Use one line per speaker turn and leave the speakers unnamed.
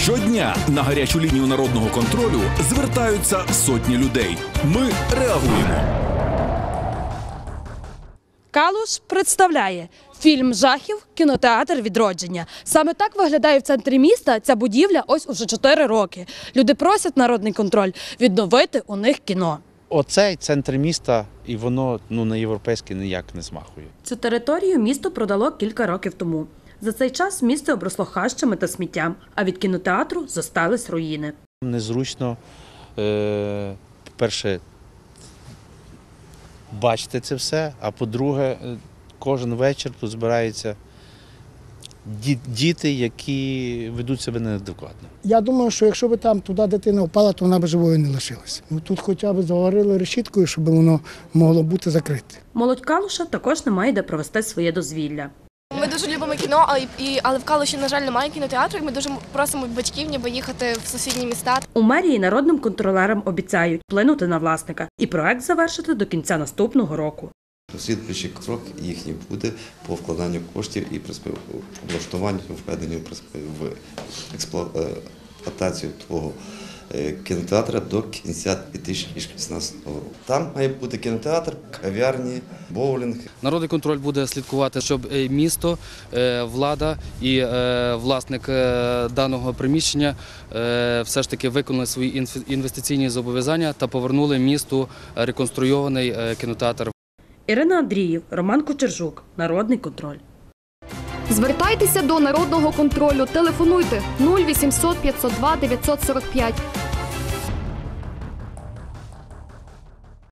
Щодня на гарячу лінію народного контролю звертаються сотні людей. Ми реагуємо.
Калуш представляє фільм жахів «Кінотеатр Відродження». Саме так виглядає в центрі міста ця будівля ось уже 4 роки. Люди просять народний контроль відновити у них кіно.
Оцей центр міста, і воно на європейське ніяк не змахує.
Цю територію місто продало кілька років тому. За цей час місто обросло хащами та сміттям, а від кінотеатру зостались руїни.
Незручно, по-перше, бачити це все, а по-друге, кожен вечір тут збираються діти, які ведуть себе неадекватно.
Я думаю, що якщо б там туди дитина впала, то вона б живою не лишилася. Тут хоча б заварили решіткою, щоб воно могло бути закрите.
Молодь Калуша також не має де провести своє дозвілля.
Ми дуже любимо кіно, але в Калуші, на жаль, немає кінотеатру, і ми дуже просимо батьків ніби їхати в сусідні міста.
У мерії народним контролерам обіцяють вплинути на власника і проект завершити до кінця наступного року.
Слідуючий крок їхній буде по вкладанню коштів і облаштуванню, введенню в експлуатацію того кінотеатру до кінця 2016 року. Там має бути кінотеатр, кав'ярні, боулінг.
Народний контроль буде слідкувати, щоб місто, влада і власник даного приміщення все ж таки виконали свої інвестиційні зобов'язання та повернули місту реконструйований кінотеатр.
Ірина Андріїв, Роман Кочержук. Народний контроль.
Звертайтеся до Народного контролю. Телефонуйте 0800 502 945.